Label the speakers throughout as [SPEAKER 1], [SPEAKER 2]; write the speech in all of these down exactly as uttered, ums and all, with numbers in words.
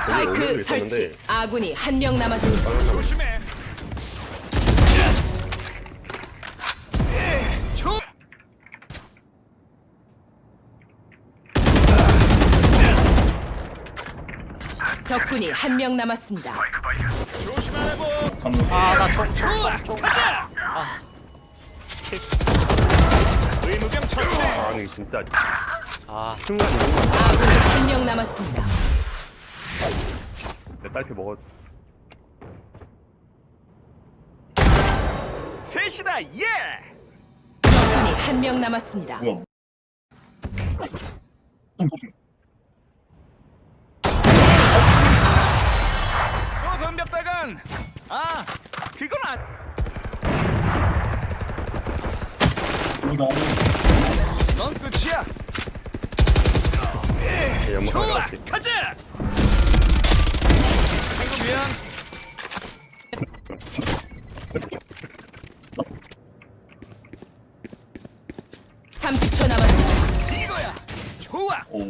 [SPEAKER 1] 스파이크 설치. 아군이 한 명 남았습니다.
[SPEAKER 2] 조심해. 조.
[SPEAKER 1] 적군이 한 명 남았습니다.
[SPEAKER 2] 조심하라고.
[SPEAKER 3] 아나 총.
[SPEAKER 2] 좋아. 가자. 의무병 처치.
[SPEAKER 4] 아니 진짜
[SPEAKER 3] 아
[SPEAKER 4] 순간
[SPEAKER 1] 아군이 한 명 남았습니다.
[SPEAKER 4] 내 딸피 먹어.
[SPEAKER 2] 셋이다. 예.
[SPEAKER 1] 적군이 한 명 남았습니다.
[SPEAKER 5] 뭐야?
[SPEAKER 2] 또 덤볐다간. 아, 그건 안.
[SPEAKER 5] 이거
[SPEAKER 2] 넌 끝이야.
[SPEAKER 4] 연막
[SPEAKER 2] 좋아.
[SPEAKER 4] 나갔지.
[SPEAKER 2] 가자. 친구 미안.
[SPEAKER 1] 삼십 초 남았습니다.
[SPEAKER 2] 이거야. 좋아.
[SPEAKER 5] 오.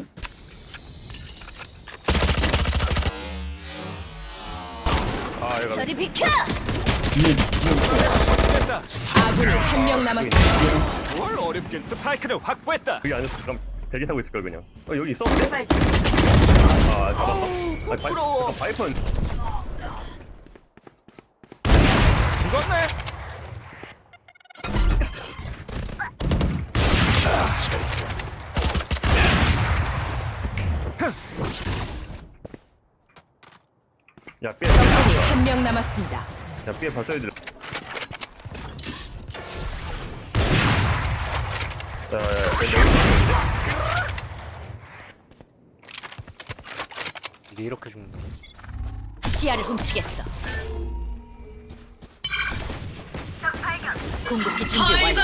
[SPEAKER 4] 아 얘가
[SPEAKER 1] 저리 비켜!
[SPEAKER 5] 뒤에 뒤에
[SPEAKER 2] 처치됐다.
[SPEAKER 1] 아군이 한 명 남았습니다.
[SPEAKER 2] 뭘 어렵긴. 스파이크를 확보했다.
[SPEAKER 4] 그게 아니었어. 그럼 대기 타고 있을 걸 그냥. 어 여기 있었는데? 아 잡았어? 아 바이,
[SPEAKER 2] 부러워.
[SPEAKER 4] 잠깐, 바이퍼는
[SPEAKER 2] 죽었네.
[SPEAKER 4] 야 삐에
[SPEAKER 1] 적군이 한 명 남았습니다.
[SPEAKER 4] 야 삐에 봤어야 돼. 자, 야, 야, 야,
[SPEAKER 3] 이게 이렇게 죽는다.
[SPEAKER 1] 시야를 훔치겠어. 궁극기 준비 완료.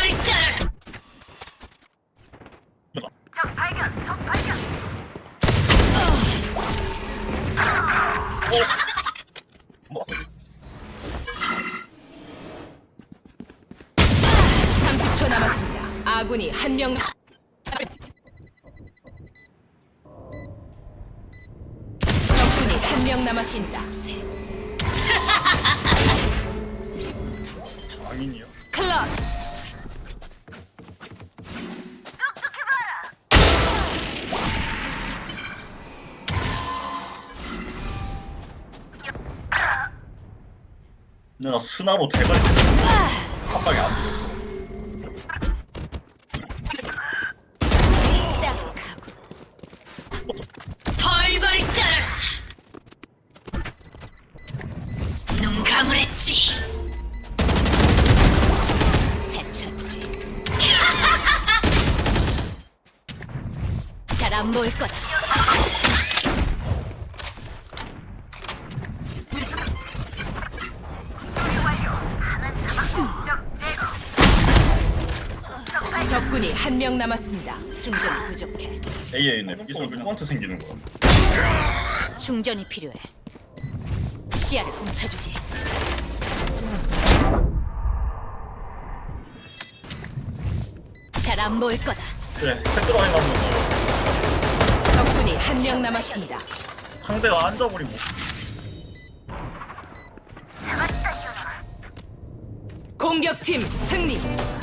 [SPEAKER 5] 뭐?
[SPEAKER 1] 삼십 초 남았습니다. 아군이 한 명. 적군이 한 명 남았습니다.
[SPEAKER 5] 장인이요?
[SPEAKER 1] 클러치.
[SPEAKER 5] 근데 나 스나로 대가리 한 방에 안 들었어.
[SPEAKER 1] 벌벌 떨어라. 눈 감으랬지. 새쳤지. 잘 안 보일 거다. 적군이 한 명 남았습니다. 충전이 부족해.
[SPEAKER 5] 에이에이는 이걸 누구한테 생기는 거야?
[SPEAKER 1] 충전이 필요해. 시야를 훔쳐주지. 잘 안 보일 거다.
[SPEAKER 5] 그래, 헤드라인 하면
[SPEAKER 1] 적군이 한 명 남았습니다.
[SPEAKER 5] 상대가 앉아버리면
[SPEAKER 1] 공격팀 승리.